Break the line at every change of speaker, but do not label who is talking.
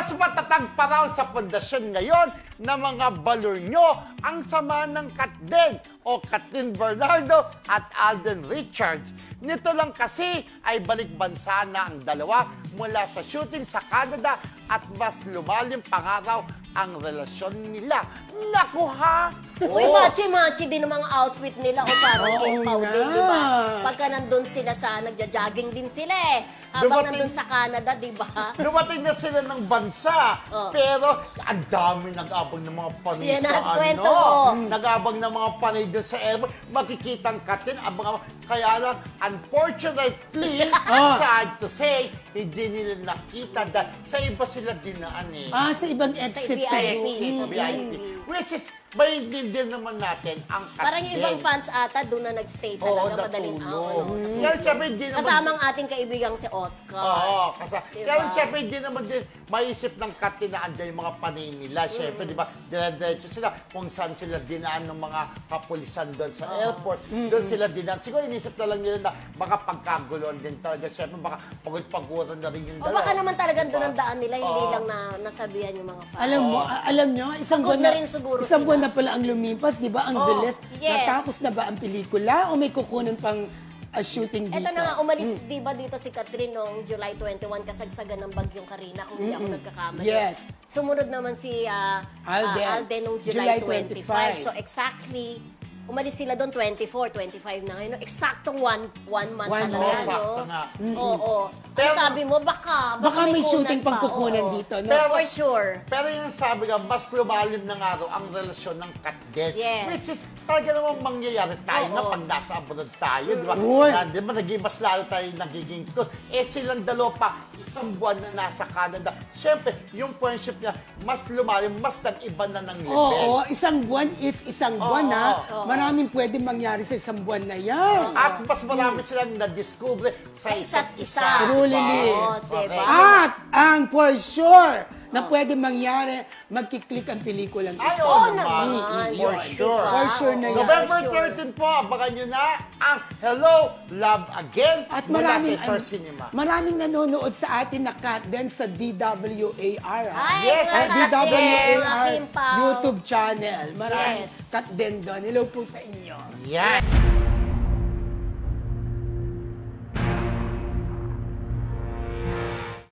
Mas matatag pa raw sa pundasyon ngayon na mga balor nyo ang sama ng Katden o Kathleen Bernardo at Alden Richards. Nito lang kasi ay balik bansa na ang dalawa mula sa shooting sa Canada at mas lumalim pa raw ang relasyon nila. Naku ha!
Uy, machi-machi din ang mga outfit nila o parang kay
Oo
Pauline,
nga.
di ba? Pagka nandun sila nagja-jogging din sila eh. Habang
Dumating-
nandun sa Canada, di ba?
Dumating na sila ng bansa,
Oh.
pero ang dami nag-abang ng mga panay
Yan
sa
ang kwento mo.
Nag-abang ng mga panay doon sa airport. Makikita ang Katden, kaya lang, unfortunately, sad to say, hindi nila nakita dahil sa iba sila dinaan eh.
Sa ibang exit
VIP.
sa
Exit, VIP. Which is, maintindihan naman natin ang Katden.
Parang yung ibang fans ata doon na nagstay
Oo,
talaga madaling
natulog.
araw.
Kaya siyempre, hindi naman...
Kasamang ating kaibigang si Oscar.
Oo,
Diba?
kaya siyempre hindi naman din maisip ng Katden na andyan yung mga panay nila. Siyempre, di ba, dire-diretso sila kung saan sila dinaan ng mga kapulisan doon sa airport. Doon sila dinaan. Siguro inisip na lang nila na baka pagkaguluhan din talaga. Siyempre, baka pagod-paguran na rin yung
O
dalawa.
baka naman talagang
Diba?
doon ang daan nila, hindi
Oo.
lang nasabihan yung mga fans.
Alam nyo, isang
Pagod
buwan
na rin siguro
isang
sila.
buwan na pala ang lumipas, di ba? Ang
Oo.
bilis.
Yes.
Natapos na ba ang pelikula o may kukunin pang shooting dito?
Eto na nga, umalis di ba dito si Catherine noong July 21 kasagsagan ng bagyong Karina, kung hindi ako nagkakamali.
Yes.
Sumunod naman si Alden noong July
July
25. So exactly, umalis sila doon 24, 25 na ngayon. Eksaktong one month
One
talaga.
month.
No?
Sakto nga.
Oo.
Pero-
Ang sabi mo, baka
Baka may shooting
kunan
pang
pa,
kukunan
oo.
dito, no?
Pero-
For sure.
Pero yung sabi nga, mas lumalim na nga raw ang relasyon ng Katden.
Yes.
Which is, talaga namang mangyayari tayo
Oo.
na pag nasa abroad tayo, di ba?
Uy.
Di ba, mas lalo tayo nagiging close. Silang dalawa pa, isang buwan na nasa Canada. Siyempre, yung friendship niya, mas lumalim, mas nag-iba na ng level.
Oo, isang buwan is isang buwan,
Oo.
ha? Maraming pwede mangyari sa isang buwan na yan.
At mas marami silang na-discover sa isa't isa.
Truly.
Oo, diba?
At ang for sure na pwede mangyari, magkiklik ang pelikulang
Ay,
ito.
oo
Oo
naman.
naman.
For
Yun,
sure.
diba?
For sure na yan.
November
For sure.
13 po, abangan nyo na ang Hello, Love Again
At
mula
maraming,
sa Star Cinema.
maraming nanonood sa atin na Katden sa DWAR. Ha?
Ay,
Yes,
mga
ay,
Katden,
DWAR
Aking Pao.
YouTube channel. Maraming
Yes.
Katden doon. Hello po sa inyo.
Yan.